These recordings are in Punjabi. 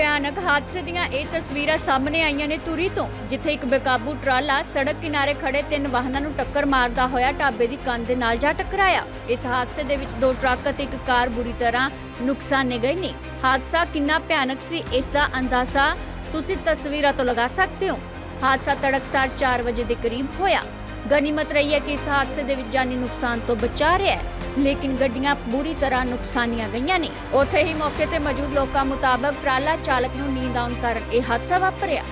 ਭਿਆਨਕ ਹਾਦਸੇ ਦੀਆਂ ਇਹ ਤਸਵੀਰਾਂ ਸਾਹਮਣੇ ਆਈਆਂ ਨੇ ਧੂਰੀ ਤੋਂ, ਜਿੱਥੇ ਇੱਕ ਬੇਕਾਬੂ ਟਰਾਲਾ ਸੜਕ ਕਿਨਾਰੇ ਖੜੇ 3 ਵਾਹਨਾਂ ਨੂੰ ਟੱਕਰ ਮਾਰਦਾ ਹੋਇਆ ਢਾਬੇ ਦੀ ਕੰਧ ਦੇ ਨਾਲ ਜਾ ਟਕਰਾਇਆ। ਇਸ ਹਾਦਸੇ ਦੇ ਵਿੱਚ 2 ਟਰੱਕ ਅਤੇ ਇੱਕ ਕਾਰ ਬੁਰੀ ਤਰ੍ਹਾਂ ਨੁਕਸਾਨੇ ਗਏ ਨੇ। ਹਾਦਸਾ ਕਿੰਨਾ ਭਿਆਨਕ ਸੀ, ਇਸ ਦਾ ਅੰਦਾਜ਼ਾ ਤੁਸੀਂ ਤਸਵੀਰਾਂ ਤੋਂ ਲਗਾ ਸਕਦੇ ਹੋ। ਹਾਦਸਾ ਤੜਕਸਾਰ 4 ਵਜੇ ਦੇ ਕਰੀਬ ਹੋਇਆ। ਗਨੀਮਤ ਰਹੀ ਹੈ ਕਿ ਇਸ ਹਾਦਸੇ ਦੇ ਵਿੱਚ ਜਾਨੀ ਨੁਕਸਾਨ ਤੋਂ ਬਚਾ ਰਿਹਾ ਹੈ, ਲੇਕਿਨ ਗੱਡੀਆਂ ਬੁਰੀ ਤਰ੍ਹਾਂ ਨੁਕਸਾਨੀਆਂ ਗਈਆਂ ਨੇ। ਉੱਥੇ ਹੀ ਮੌਕੇ ਤੇ ਮੌਜੂਦ ਲੋਕਾਂ ਮੁਤਾਬਕ ਟਰਾਲਾ ਚਾਲਕ ਨੂੰ ਨੀਂਦ ਆਉਣ ਕਾਰਨ ਇਹ ਹਾਦਸਾ ਵਾਪਰਿਆ।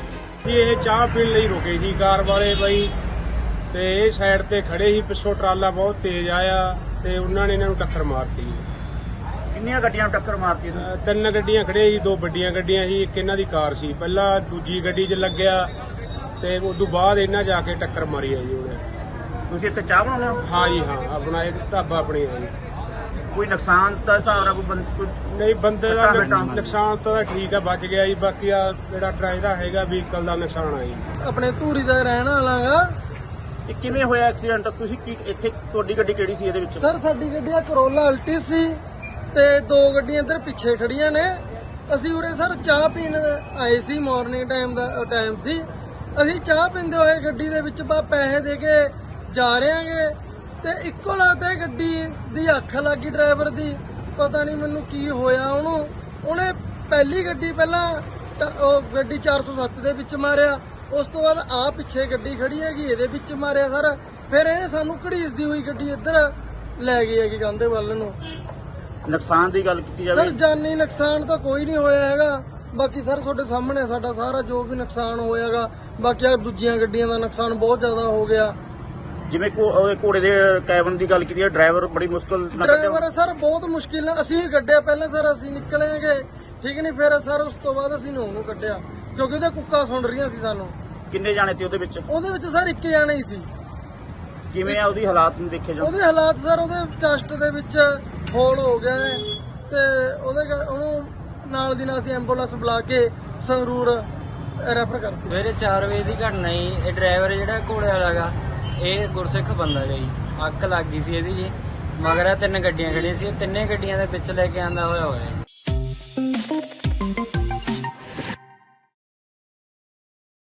ਇਹ ਚਾਹ ਪੀਣ ਲਈ ਰੁਕੇ ਸੀ ਕਾਰ ਵਾਲੇ ਬਾਈ, ਤੇ ਇਹ ਸਾਈਡ ਤੇ ਖੜੇ ਸੀ। ਪਿੱਛੋਂ ਟਰਾਲਾ ਬਹੁਤ ਤੇਜ਼ ਆਇਆ ਤੇ ਉਹਨਾਂ ਨੇ ਇਹਨਾਂ ਨੂੰ ਟੱਕਰ ਮਾਰਤੀ। ਕਿੰਨੀਆਂ ਗੱਡੀਆਂ ਨੂੰ ਟੱਕਰ ਮਾਰਤੀ? 3 ਗੱਡੀਆਂ ਖੜੀਆਂ ਸੀ, 2 ਵੱਡੀਆਂ ਗੱਡੀਆਂ ਸੀ, ਇੱਕ ਇਹਨਾਂ ਦੀ ਕਾਰ ਸੀ। ਪਹਿਲਾਂ ਦੂਜੀ ਗੱਡੀ 'ਚ ਲੱਗਿਆ ਤੇ ਉਸ ਤੋਂ ਬਾਅਦ ਇਹਨਾਂ ਜਾ ਕੇ ਟੱਕਰ ਮਾਰੀ ਹੈ ਜੀ ਉਹਨੇ। ਤੁਸੀਂ ਇੱਥੇ ਚਾਹ ਬਣਾਉਂਦੇ ਹੋ? ਹਾਂ ਜੀ ਹਾਂ, ਆਪਣਾ ਇਹ ਢਾਬਾ ਆਪਣੀ ਹੈ ਜੀ। ਕੋਈ ਨੁਕਸਾਨ ਤਾਂ ਹਿਸਾਬ ਨਾਲ ਕੋਈ ਨਹੀਂ, ਬੰਦੇ ਦਾ ਸੱਟਾਂ ਨੁਕਸਾਨ ਤਾਂ ਠੀਕ ਆ, ਬਚ ਗਿਆ ਜੀ। ਬਾਕੀ ਆ ਜਿਹੜਾ ਡਰਾਈਵਰ ਹੈਗਾ ਵਹੀਕਲ ਦਾ ਨੁਕਸਾਨ ਆ ਜੀ। ਆਪਣੇ ਧੂਰੀ ਦਾ ਰਹਿਣ ਵਾਲਾ ਗਾ। ਇਹ ਕਿਵੇਂ ਹੋਇਆ ਐਕਸੀਡੈਂਟ? ਤੁਸੀਂ ਕੀ ਇੱਥੇ ਤੁਹਾਡੀ ਗੱਡੀ ਕਿਹੜੀ ਸੀ ਇਹਦੇ ਵਿੱਚ? ਸਰ ਸਾਡੀ ਗੱਡੀ ਆ ਕਰੋਲਾ ਅਲਟੀ ਸੀ ਤੇ 2 ਗੱਡੀਆਂ ਇੱਧਰ ਪਿੱਛੇ ਖੜੀਆਂ ਨੇ। ਅਸੀਂ ਉਰੇ ਸਰ ਚਾਹ ਪੀਣ ਆਏ ਸੀ, ਮਾਰਨਿੰਗ ਟਾਈਮ ਸੀ। ਅਸੀਂ ਚਾਹ ਪੀਂਦੇ ਹੋਏ ਗੱਡੀ ਦੇ ਵਿੱਚ ਪੈਸੇ ਦੇ ਕੇ ਜਾ ਰਹੇ ਆਂਗੇ ਤੇ ਇੱਕੋ ਲੱਗਦਾ ਗੱਡੀ ਦੀ ਅੱਖ ਲੱਗੀ ਡਰਾਈਵਰ ਦੀ। ਪਤਾ ਨਹੀਂ ਮੈਨੂੰ ਕੀ ਹੋਇਆ ਉਹਨੂੰ। ਉਹਨੇ ਪਹਿਲੀ ਗੱਡੀ ਪਹਿਲਾਂ ਉਹ ਗੱਡੀ 407 ਦੇ ਵਿੱਚ ਮਾਰਿਆ, ਉਸ ਤੋਂ ਬਾਅਦ ਆ ਪਿੱਛੇ ਗੱਡੀ ਖੜੀ ਹੈਗੀ ਇਹਦੇ ਵਿੱਚ ਮਾਰਿਆ ਸਰ। ਫਿਰ ਇਹ ਸਾਨੂੰ ਘੜੀਸਦੀ ਹੋਈ ਗੱਡੀ ਇੱਧਰ ਲੈ ਗਈ ਹੈਗੀ ਕੰਧੇ ਵੱਲ ਨੂੰ। ਨੁਕਸਾਨ ਦੀ ਗੱਲ ਕੀਤੀ ਸਰ ਜਾਵੇ? ਜਾਨੀ ਨੁਕਸਾਨ ਤਾਂ ਕੋਈ ਨਹੀਂ ਹੋਇਆ ਹੈਗਾ। ਬਾਕੀ ਸਰ ਤੁਹਾਡੇ ਸਾਹਮਣੇ ਸਾਡਾ ਸਾਰਾ ਜੋ ਵੀ ਨੁਕਸਾਨ ਹੋਇਆਗਾ। ਬਾਕੀ ਆ ਦੂਜੀਆਂ ਗੱਡੀਆਂ ਦਾ ਨੁਕਸਾਨ ਬਹੁਤ ਜ਼ਿਆਦਾ ਹੋ ਗਿਆ। ਜਿਵੇਂ ਉਹਦੇ ਘੋੜੇ ਦੇ ਕੈਬਨ ਦੀ ਗੱਲ ਕੀਤੀ ਹੈ, ਡਰਾਈਵਰ ਬੜੀ ਮੁਸ਼ਕਲ ਨਾਲ ਡਰਾਈਵਰ ਸਰ ਬਹੁਤ ਮੁਸ਼ਕਿਲ ਨਾਲ ਅਸੀਂ ਕੱਢਿਆ। ਪਹਿਲਾਂ ਸਰ ਅਸੀਂ ਨਿਕਲੇਗੇ ਠੀਕ ਨਹੀਂ, ਫਿਰ ਸਰ ਉਸ ਤੋਂ ਬਾਅਦ ਅਸੀਂ ਉਹਨੂੰ ਕੱਢਿਆ ਕਿਉਂਕਿ ਉਹਦੇ ਕੁੱਕਾ ਸੁਣ ਰਹੀਆਂ ਸੀ ਸਾਨੂੰ। ਕਿੰਨੇ ਜਾਣੇ ਤੇ ਉਹਦੇ ਵਿੱਚ? ਉਹਦੇ ਵਿੱਚ ਸਰ 1 ਜਾਣਾ ਹੀ ਸੀ। ਕਿਵੇਂ ਆ ਉਹਦੀ ਹਾਲਾਤ ਨੂੰ ਦੇਖੇ ਜਾਓ? ਉਹਦੇ ਹਾਲਾਤ ਸਰ ਉਹਦੇ ਚੈਸਟ ਦੇ ਵਿੱਚ ਹੋਲ ਹੋ ਗਿਆ ਹੈ ਤੇ ਉਹਨੂੰ ਨਾਲ ਦੀ ਨਾਲ ਅਸੀਂ ਐਂਬੂਲੈਂਸ ਬੁਲਾ ਕੇ ਸੰਗਰੂਰ ਰੈਫਰ ਕਰਤੀ। ਸਵੇਰੇ 4 ਵਜੇ ਦੀ ਘਟਨਾ ਜੀ। ਇਹ ਡਰਾਈਵਰ ਜਿਹੜਾ ਘੋੜੇ ਵਾਲਾ ਗਾ, ਇਹ ਗੁਰਸਿੱਖ ਬੰਦਾ ਗਾ ਜੀ। ਅੱਗ ਲੱਗ ਗਈ ਸੀ ਇਹਦੀ ਜੀ। ਮਗਰ 3 ਗੱਡੀਆਂ ਖੜੀਆਂ ਸੀ, 3 ਗੱਡੀਆਂ ਦੇ ਵਿੱਚ ਲੈ ਕੇ ਆਂਦਾ ਹੋਇਆ ਜੀ।